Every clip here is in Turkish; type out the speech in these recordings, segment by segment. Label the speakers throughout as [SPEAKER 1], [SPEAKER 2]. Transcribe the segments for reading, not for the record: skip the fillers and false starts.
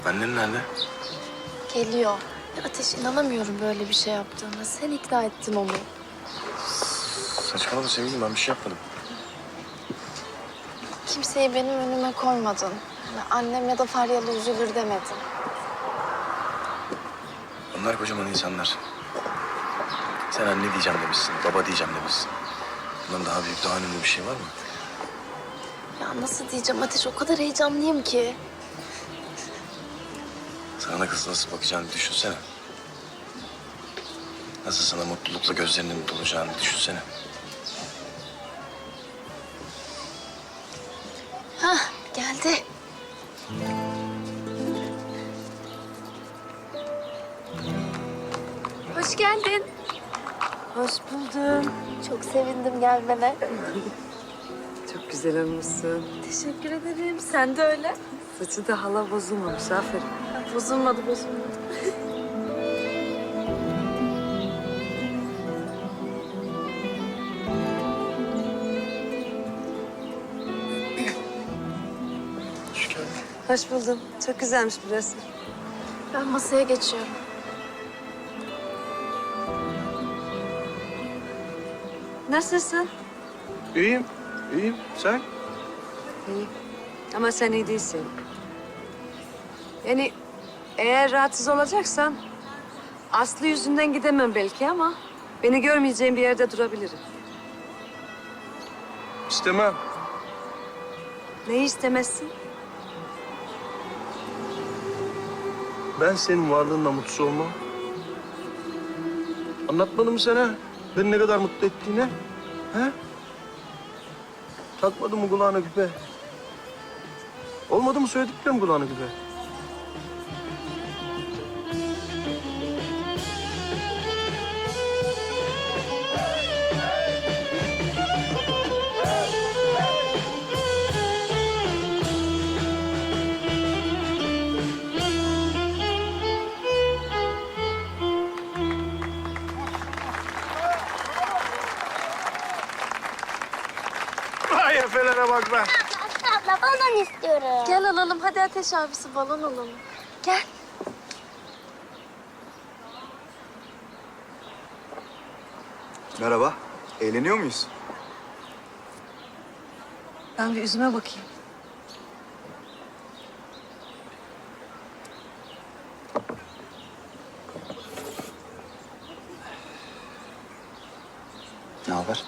[SPEAKER 1] Annen nerede?
[SPEAKER 2] Geliyor. Ya Ateş, inanamıyorum böyle bir şey yaptığına. Sen ikna ettin onu.
[SPEAKER 1] Saçmalama sevgilim, ben bir şey yapmadım.
[SPEAKER 2] Kimseyi benim önüme koymadın. Yani annem ya da Faryalı üzülür demedin.
[SPEAKER 1] Onlar kocaman insanlar. Sen anne diyeceğim demişsin, baba diyeceğim demişsin. Bundan daha büyük, daha önemli bir şey var mı?
[SPEAKER 2] Ya nasıl diyeceğim Ateş, o kadar heyecanlıyım ki.
[SPEAKER 1] Sana kız nasıl bakacağını düşünsene. Nasıl sana mutlulukla gözlerinin dolacağını düşünsene.
[SPEAKER 2] Hah, geldi. Hoş geldin.
[SPEAKER 3] Hoş buldum.
[SPEAKER 2] Çok sevindim gelmene.
[SPEAKER 3] Çok güzel olmuşsun.
[SPEAKER 2] Teşekkür ederim. Sen de öyle.
[SPEAKER 3] Saçı da hala bozulmamış. Aferin.
[SPEAKER 2] Bozulmadı, bozulmadı.
[SPEAKER 1] Hoş geldin.
[SPEAKER 3] Hoş buldum. Çok güzelmiş burası.
[SPEAKER 2] Ben masaya geçiyorum.
[SPEAKER 3] Nasılsın?
[SPEAKER 1] İyiyim, iyiyim. Sen?
[SPEAKER 3] İyi. Ama sen iyi değilsin. Yani eğer rahatsız olacaksan Aslı yüzünden gidemem belki ama beni görmeyeceğim bir yerde durabilirim.
[SPEAKER 1] İstemem.
[SPEAKER 3] Neyi istemezsin?
[SPEAKER 4] Ben senin varlığınla mutsuz olmam. Anlatmadım mı sana beni ne kadar mutlu ettiğini? He? Takmadın mı kulağına küpe? Olmadı mı söylediklerim kulağına küpe? Vay efelere bak be.
[SPEAKER 5] Abla balon istiyorum.
[SPEAKER 2] Gel alalım. Hadi Ateş abisi, balon alalım. Gel.
[SPEAKER 6] Merhaba. Eğleniyor muyuz?
[SPEAKER 3] Ben bir yüzüme bakayım.
[SPEAKER 6] Ne haber?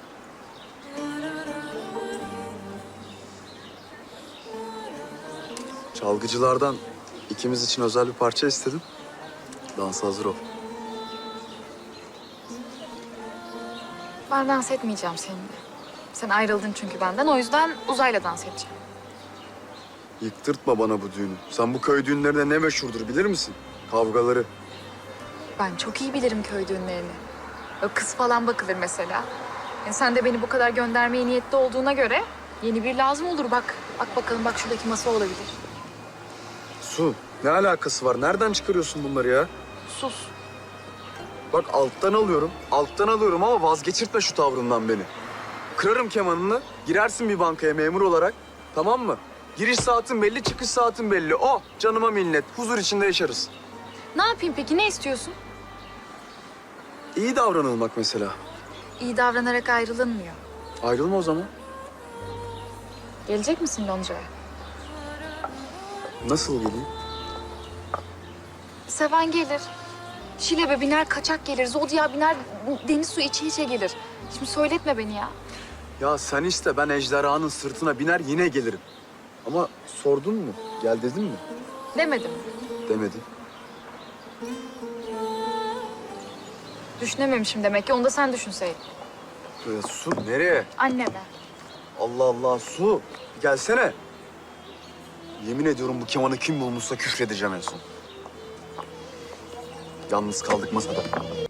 [SPEAKER 6] Çalgıcılardan ikimiz için özel bir parça istedim. Dansa hazır ol.
[SPEAKER 7] Ben dans etmeyeceğim seninle. Sen ayrıldın çünkü benden. O yüzden Uzay'la dans edeceğim.
[SPEAKER 6] Yıktırtma bana bu düğünü. Sen bu köy düğünlerinde ne meşhurdur bilir misin? Kavgaları.
[SPEAKER 7] Ben çok iyi bilirim köy düğünlerini. Böyle kız falan bakılır mesela. Yani sen de beni bu kadar göndermeye niyetli olduğuna göre yeni bir lazım olur bak. Bak bakalım, bak şuradaki masa olabilir.
[SPEAKER 6] Su, ne alakası var? Nereden çıkarıyorsun bunları ya?
[SPEAKER 7] Sus.
[SPEAKER 6] Bak alttan alıyorum ama vazgeçirtme şu tavrından beni. Kırarım kemanını, girersin bir bankaya memur olarak. Tamam mı? Giriş saatin belli, çıkış saatin belli. O canıma minnet, huzur içinde yaşarız.
[SPEAKER 7] Ne yapayım peki, ne istiyorsun?
[SPEAKER 6] İyi davranılmak mesela.
[SPEAKER 7] İyi davranarak ayrılınmıyor.
[SPEAKER 6] Ayrılma o zaman.
[SPEAKER 7] Gelecek misin Lonca'ya?
[SPEAKER 6] Nasıl geleyim?
[SPEAKER 7] Seven gelir. Şilebe biner, kaçak gelir. Zodya biner, deniz suyu içe içe gelir. Şimdi söyletme beni ya.
[SPEAKER 6] Ya sen iste, ben ejderhanın sırtına biner yine gelirim. Ama sordun mu? Gel dedin mi?
[SPEAKER 7] Demedim.
[SPEAKER 6] Demedin.
[SPEAKER 7] Düşünememişim demek ki. Onu da sen düşünseydin.
[SPEAKER 6] Su nereye?
[SPEAKER 7] Anneme.
[SPEAKER 6] Allah Allah Su. Gelsene. Yemin ediyorum bu kemanı kim bulmuşsa küfredeceğim en son. Yalnız kaldık masada.